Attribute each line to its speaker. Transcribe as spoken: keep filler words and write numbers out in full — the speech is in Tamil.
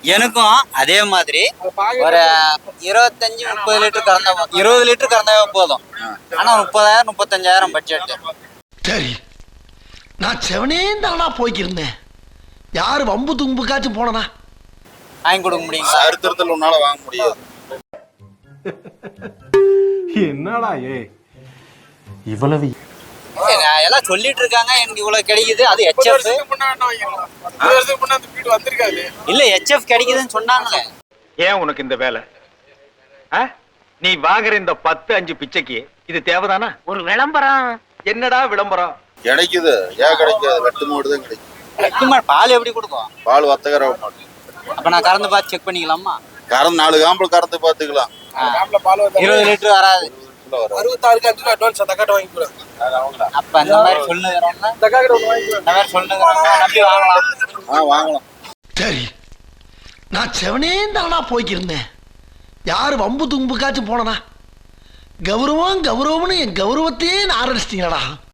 Speaker 1: எனக்கும் அதே மாதிரி ஒரு இருபத்தஞ்சு முப்பது லிட்டர் கறந்தா இருபது லிட்டர் கறந்தாவே போதும். ஆனா முப்பதாயிரம் முப்பத்தஞ்சாயிரம் பட்ஜெட்.
Speaker 2: சரி, நான் செவனே தானா போய்க்கிருந்தேன். யாரு வம்பு தும்புக்காச்சும் போனா
Speaker 1: வாங்கி கொடுக்க முடியுங்களா?
Speaker 3: அறுத்தறுத்தல் உன்னால வாங்க முடியாது.
Speaker 4: என்னடா ஏ இவ்வளவு
Speaker 1: எல்லாம் சொல்லிட்டு இருக்காங்க எனக்கு இவ்வளவு கிடைக்குது. அது ஹெச்எஃப் இல்ல ஹெச்எஃப் கிடைக்குதுன்னு சொன்னாங்களே.
Speaker 5: ஏன் உனக்கு இந்த வேலை? நீ வாங்குற இந்த பத்து அஞ்சு பிச்சைக்கு இது தேவைதானா? ஒரு விளம்பரம். என்னடா விளம்பரம்?
Speaker 3: கிடைக்குது. ஏன் கிடைக்காது? வெட்டு மாடு தான் கிடைக்கும்.
Speaker 1: வெட்டு மாடு பால் எப்படி கொடுக்கும்?
Speaker 3: பால் வத்தகர மாடு.
Speaker 1: அப்ப நான் கறந்து பார்த்து செக் பண்ணிக்கலாமா?
Speaker 3: கறந்து நாலு காம்பல் கறந்து பாத்துக்கலாம்.
Speaker 1: இருபது லிட்டர் வராது.
Speaker 6: அறுபத்தாறுக்கு அஞ்சு அட்வான்ஸ் தக்காட்ட வாங்கிக்கலாம்.
Speaker 1: அப்ப அந்த மாதிரி சொல்லுங்கிறவங்க இந்த மாதிரி சொல்லுங்கிறவங்க நம்பி வாங்கலாம்.
Speaker 3: ஆ வாங்கலாம்.
Speaker 2: சரி, நான் செவனே தானா போய்க்கிருந்தேன். யாரு வம்பு தும்புக்காச்சும் போனா கௌரவம் கௌரவம்னு என் கௌரவத்தையே ஆரம்பிச்சிட்டீங்களா?